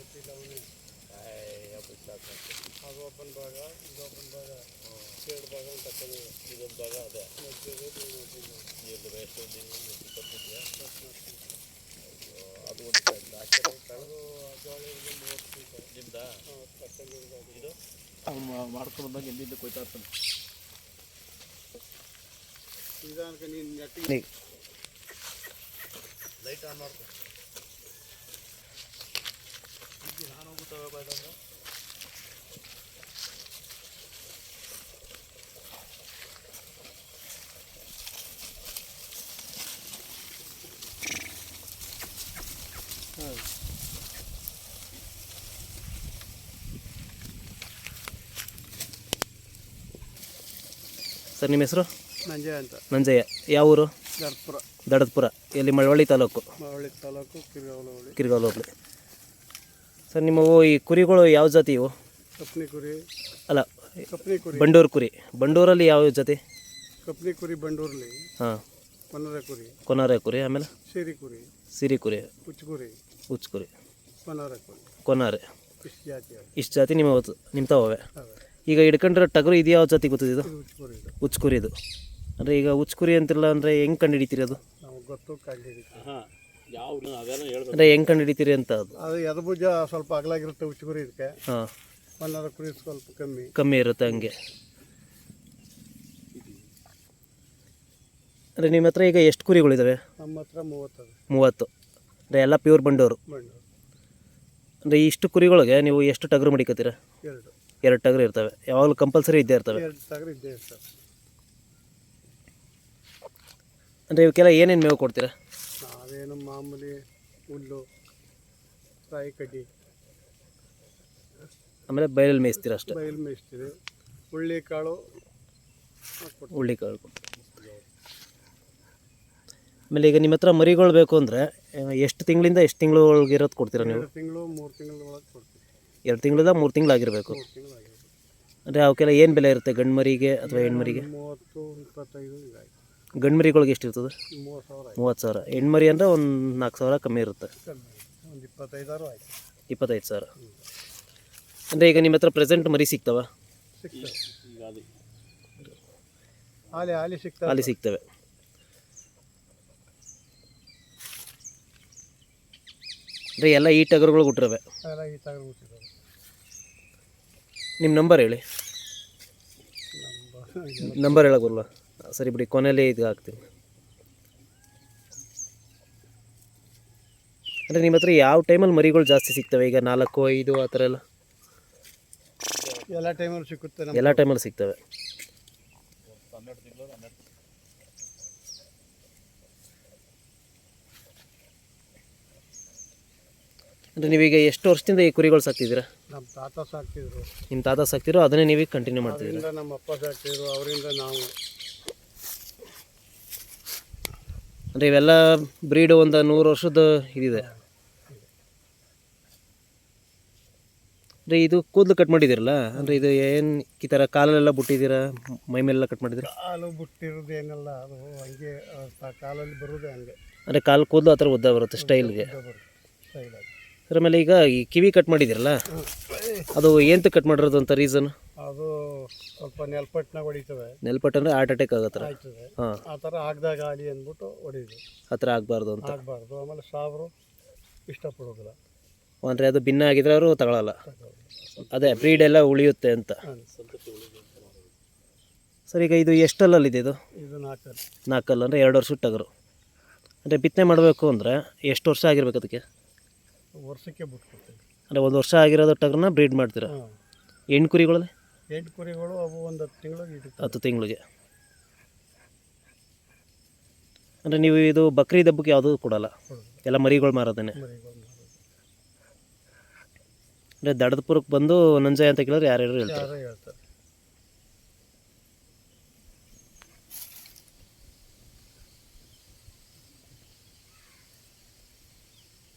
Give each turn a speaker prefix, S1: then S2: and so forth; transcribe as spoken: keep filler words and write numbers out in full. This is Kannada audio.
S1: ಅದು ಓಪನ್ ಭಾಗ ಇದು ಓಪನ್ ಭಾಗ ಎರಡು ಭಾಗ ಅಂತ ಇದೊಂದು ಭಾಗ ಅದೇ ನೀರು ವೇಸ್ಟ್ ಕೊಟ್ಟಿದ್ಯಾ ಅದು ಒಂದು ಅದು ಜೋಳ ಮೂವತ್ತು ನಿಮ್ದಾ ಇದು ಮಾಡ್ಕೊಂಡು ಬಂದಾಗ ಎಲ್ಲಿಂದ ಕೊಯ್ತಾ ಇರ್ತಾನೆ ನಿಧಾನಕ್ಕೆ ನೀನು ನೆಟ್ಟಿಗೆ ಲೈಟ್ ಆನ್ ಮಾಡ್ಕೊ ನಾನು ಹೋಗುತ್ತವೆ ಬಾಯ್ದಂದ್ರೆ
S2: ಸರ್ ನಿಮ್ಮ ಹೆಸರು?
S1: ನಂಜಯ್ಯ ಅಂತ.
S2: ನಂಜಯ್ಯ. ಯಾವ ಊರು?
S1: ದಡದಪುರ.
S2: ದಡದಪುರ. ಎಲ್ಲಿ? ಮಳವಳ್ಳಿ ತಾಲೂಕು.
S1: ಮಳವಳ್ಳಿ ತಾಲೂಕು ಕಿರ್ಗಾವಲು ಹೋಬಳಿ.
S2: ಕಿರ್ಗಾವಲು ಹೋಬಳಿ. ಸರ್ ನಿಮ್ಮವು ಈ ಕುರಿಗಳು ಯಾವ ಜಾತಿ ಇವು?
S1: ಕಪ್ನಿ ಕುರಿ.
S2: ಅಲ್ಲ,
S1: ಕಪ್ನಿ ಕುರಿ.
S2: ಬಂಡೂರು ಕುರಿ. ಬಂಡೂರಲ್ಲಿ ಯಾವ ಜಾತಿ?
S1: ಕಪ್ನಿ ಕುರಿ ಬಂಡೂರಲ್ಲಿ. ಹಾಂ. ಕೊನರೆ ಕುರಿ.
S2: ಕೊನರೆ ಕುರಿ. ಆಮೇಲೆ
S1: ಸಿರಿ ಕುರಿ.
S2: ಸಿರಿ ಕುರಿ.
S1: ಹುಚ್ಚು ಕುರಿ.
S2: ಹುಚ್ಚು ಕುರಿ.
S1: ಕೊನರೆ ಕುರಿ.
S2: ಕೊನಾರೆ.
S1: ಇಷ್ಟು ಜಾತಿ.
S2: ಇಷ್ಟು ಜಾತಿ ನಿಮ್ಮ ನಿಮ್ಮ ತಾವೇ. ಈಗ ಹಿಡ್ಕೊಂಡ್ರೆ ಟಗರು ಇದು ಯಾವ ಜಾತಿ ಗೊತ್ತಿದೆ? ಇದು ಹುಚ್ಚು ಕುರಿ. ಇದು ಅಂದರೆ ಈಗ ಹುಚ್ಚು ಕುರಿ ಅಂತಿಲ್ಲ ಅಂದರೆ ಹೆಂಗೆ ಕಂಡು ಹಿಡಿತೀರಿ ಅದು?
S1: ಗೊತ್ತು
S2: ಅಂದರೆ ಹೆಂಗೆ ಕಂಡು ಹಿಡಿತೀರಿ ಅಂತ? ಅದು
S1: ಅದು ಎದ ಭುಜ ಸ್ವಲ್ಪ ಅಗಲಾಗಿರುತ್ತೆ ಹುಚ್ಚು ಕುರಿ ಇದಕ್ಕೆ. ಹಾಂ. ಕೊನರೆ ಕುರಿ ಸ್ವಲ್ಪ ಕಮ್ಮಿ
S2: ಕಮ್ಮಿ ಇರುತ್ತೆ ಹಂಗೆ. ಅಂದರೆ ನಿಮ್ಮ ಹತ್ರ ಈಗ ಎಷ್ಟು ಕುರಿಗಳಿದ್ದಾವೆ?
S1: ನಮ್ಮ ಹತ್ರ ಮೂವತ್ತು.
S2: ಮೂವತ್ತು. ಅಂದರೆ ಎಲ್ಲ ಪ್ಯೂರ್ ಬಂಡೂರು.
S1: ಬಂಡೂರು.
S2: ಅಂದರೆ ಇಷ್ಟು ಕುರಿಗಳಿಗೆ ನೀವು ಎಷ್ಟು ಟಗರು ಮಡಿಕತ್ತೀರ?
S1: ಎರಡು.
S2: ಎರಡು ಟಗರು ಇರ್ತವೆ. ಯಾವಾಗಲೂ ಕಂಪಲ್ಸರಿ ಇದ್ದೇ ಇರ್ತವೆ.
S1: ಎರಡು ಟಗರು ಇದ್ದೇ ಇರ್ತವೆ.
S2: ಅಂದರೆ ಇವಕ್ಕೆಲ್ಲ ಏನೇನು ಮೇವು ಕೊಡ್ತೀರಾ?
S1: ನಾವೇನು ಮಾಮೂಲಿ ಹುಲ್ಲು, ರಾಯಿ ಕಡ್ಡಿ,
S2: ಆಮೇಲೆ ಬಯಲಲ್ಲಿ ಮೇಯಿಸ್ತೀರ ಅಷ್ಟೇ?
S1: ಬಯಲು ಮೇಯಿಸ್ತೀವಿ. ಹುಳ್ಳಿ ಕಾಳು
S2: ಹುಳ್ಳಿ ಕಾಳು. ಆಮೇಲೆ ಈಗ ನಿಮ್ಮ ಹತ್ರ ಮರಿಗಳು ಬೇಕು ಅಂದರೆ ಎಷ್ಟು ತಿಂಗಳಿಂದ ಎಷ್ಟು ತಿಂಗಳು ಒಳಗೆ ಇರೋದು ಕೊಡ್ತೀರಾ ನೀವು?
S1: ಎರಡು ತಿಂಗಳು ಮೂರು ತಿಂಗಳ ಒಳಗೆ ಕೊಡ್ತೀವಿ.
S2: ಎರಡು ತಿಂಗಳಿಂದ ಮೂರು ತಿಂಗಳಾಗಿರಬೇಕು. ಅಂದರೆ ಅವಕ್ಕೆಲ್ಲ ಏನು ಬೆಲೆ ಇರುತ್ತೆ? ಗಂಡು ಮರಿಗೆ ಅಥವಾ ಹೆಣ್ಮರಿಗೆ?
S1: ಮೂವತ್ತು ಇಪ್ಪತ್ತೈದು ಇದಾಗಿ.
S2: ಗಂಡು ಮರಿಗಳಿಗೆ ಎಷ್ಟು ಇರ್ತದೆ?
S1: ಮೂವತ್ತು ಸಾವಿರ.
S2: ಮೂವತ್ತು ಸಾವಿರ. ಹೆಣ್ಮರಿ ಅಂದರೆ ಒಂದು ನಾಲ್ಕು ಸಾವಿರ ಕಮ್ಮಿ ಇರುತ್ತೆ.
S1: ಒಂದು ಇಪ್ಪತ್ತೈದಾರು ಆಯ್ತು.
S2: ಇಪ್ಪತ್ತೈದು ಸಾವಿರ. ಅಂದರೆ ಈಗ ನಿಮ್ಮ ಹತ್ರ ಪ್ರೆಸೆಂಟ್ ಮರಿ ಸಿಗ್ತವೆ?
S1: ಸಿಗ್ತವೆ. ಹಾಲಿ ಹಾಲಿ ಸಿಗ್ತವೆ.
S2: ಹಾಲಿ ಸಿಗ್ತವೆ. ಅಂದರೆ ಎಲ್ಲ ಈ ಟಗರುಗಳು ಹುಟ್ಟಿರವೆ?
S1: ಎಲ್ಲ ಈ ಟಗರು ಹುಟ್ಟಿರೋದು.
S2: ನಿಮ್ಮ ನಂಬರ್ ಹೇಳಿ. ನಂಬರ್ ಹೇಳಕ್ಕೆ ಬರಲ್ಲ? ಸರಿ ಬಿಡಿ, ಕೊನೆಯಲ್ಲಿ ಇದು ಹಾಕ್ತೀನಿ. ಅಂದರೆ ನಿಮ್ಮ ಹತ್ರ ಯಾವ ಟೈಮಲ್ಲಿ ಮರಿಗಳು ಜಾಸ್ತಿ ಸಿಗ್ತವೆ? ಈಗ ನಾಲ್ಕು ಐದು ಆ ಥರ ಎಲ್ಲ?
S1: ಎಲ್ಲ ಟೈಮಲ್ಲಿ ಸಿಗುತ್ತೆ.
S2: ಎಲ್ಲ ಟೈಮಲ್ಲಿ ಸಿಗ್ತವೆ. ಅಂದರೆ ನೀವೀಗ ಎಷ್ಟು ವರ್ಷದಿಂದ ಈ ಕುರಿಗಳು ಸಾಕ್ತಿದ್ದೀರಾ?
S1: ನಮ್ಮ ತಾತ ಸಾಕ್ತಿದ್ರು.
S2: ನಿಮ್ಮ ತಾತ ಸಾಕ್ತಿರೋ ಅದನ್ನೇ ನೀವೀಗ ಕಂಟಿನ್ಯೂ ಮಾಡ್ತಿದ್ದೀರಾ?
S1: ನಮ್ಮ ಅಪ್ಪ ಸಾಕ್ತಿದ್ರು, ಅವರಿಂದ ನಾವು.
S2: ಅಂದರೆ ಇವೆಲ್ಲ ಬ್ರೀಡು ಒಂದು ನೂರು ವರ್ಷದ ಇದಿದೆ. ಅಂದರೆ ಇದು ಕೂದಲು ಕಟ್ ಮಾಡಿದ್ದೀರಲ್ಲ, ಅಂದರೆ ಇದು ಏನು ಈ ಥರ ಕಾಲಲ್ಲೆಲ್ಲ ಬಿಟ್ಟಿದ್ದೀರಾ, ಮೈ ಮೇಲೆಲ್ಲ ಕಟ್ ಮಾಡಿದ್ದೀರಾ?
S1: ಕಾಲು ಬಿಟ್ಟಿರೋದು ಏನೆಲ್ಲ ಅದು ಹಂಗೆ ಕಾಲಲ್ಲಿ ಬರೋದೇ ಹಂಗೆ.
S2: ಅಂದರೆ ಕಾಲು ಕೂದಲು ಆ ಥರ ಉದ್ದ ಬರುತ್ತೆ ಸ್ಟೈಲ್ಗೆ. ಅದ್ರ ಮೇಲೆ ಈಗ ಈ ಕಿವಿ ಕಟ್ ಮಾಡಿದ್ದೀರಲ್ಲ, ಅದು ಏನಂತ ಕಟ್ ಮಾಡಿರೋದು ಅಂತ ರೀಸನ್?
S1: ಅದು ಸ್ವಲ್ಪ ನೆಲ್ಪಟ್ಟನಾಗ ಹೊಡಿತವೆ.
S2: ನೆಲ್ಪಟ್ಟು ಅಂದರೆ ಹಾರ್ಟ್ ಅಟ್ಯಾಕ್ ಆಗೋ ಥರ? ಹಾಂ,
S1: ಆ ಥರ ಆಗದಾಗ ಆಲಿ ಅಂದ್ಬಿಟ್ಟು ಹೊಡಿದು
S2: ಆ ಥರ ಆಗಬಾರ್ದು ಅಂತ.
S1: ಆಗಬಾರ್ದು. ಆಮೇಲೆ ಸಾಬ್ರು ಇಷ್ಟಪಡೋದಿಲ್ಲ.
S2: ಅಂದರೆ ಅದು ಭಿನ್ನ ಆಗಿದ್ರೆ ಅವರು ತಗೊಳ್ಳಲ್ಲ. ಅದೇ ಬ್ರೀಡೆಲ್ಲ ಉಳಿಯುತ್ತೆ ಅಂತ. ಸರ್ ಈಗ ಇದು ಎಷ್ಟಲ್ಲಲ್ಲಿದೆ? ಇದು
S1: ಇದು ನಾಲ್ಕಲ್ಲಿ.
S2: ನಾಲ್ಕಲ್ಲ ಅಂದರೆ ಎರಡು ವರ್ಷದ ಟಗರು. ಅಂದರೆ ಬಿತ್ತನೆ ಮಾಡಬೇಕು ಅಂದರೆ ಎಷ್ಟು ವರ್ಷ ಆಗಿರ್ಬೇಕು ಅದಕ್ಕೆ?
S1: ವರ್ಷಕ್ಕೆ ಬಿಟ್ಕೊಡ್ತೀವಿ.
S2: ಅಂದರೆ ಒಂದು ವರ್ಷ ಆಗಿರೋದು ಟಗರನ್ನ ಬ್ರೀಡ್ ಮಾಡ್ತೀರಾ? ಹೆಣ್ಣು ಕುರಿಗಳಲ್ಲಿ?
S1: ಎಂಟು ಕುರಿಗಳು ಅವು ಒಂದು ಹತ್ತು ತಿಂಗಳಿಗೆ.
S2: ಹತ್ತು ತಿಂಗಳಿಗೆ. ಅಂದರೆ ನೀವು ಇದು ಬಕ್ರೀದ್ ಹಬ್ಬಕ್ಕೆ ಯಾವುದೂ ಕೊಡಲ್ಲ? ಎಲ್ಲ ಮರಿಗಳು ಮಾರೋದೇನೆ? ಅಂದರೆ ದಡದಪುರಕ್ಕೆ ಬಂದು ನಂಜಯ್ಯ ಅಂತ ಕೇಳಿದ್ರೆ ಯಾರ್ಯಾರು ಹೇಳ್ತಾರೆ?
S1: ಹೇಳ್ತಾರೆ.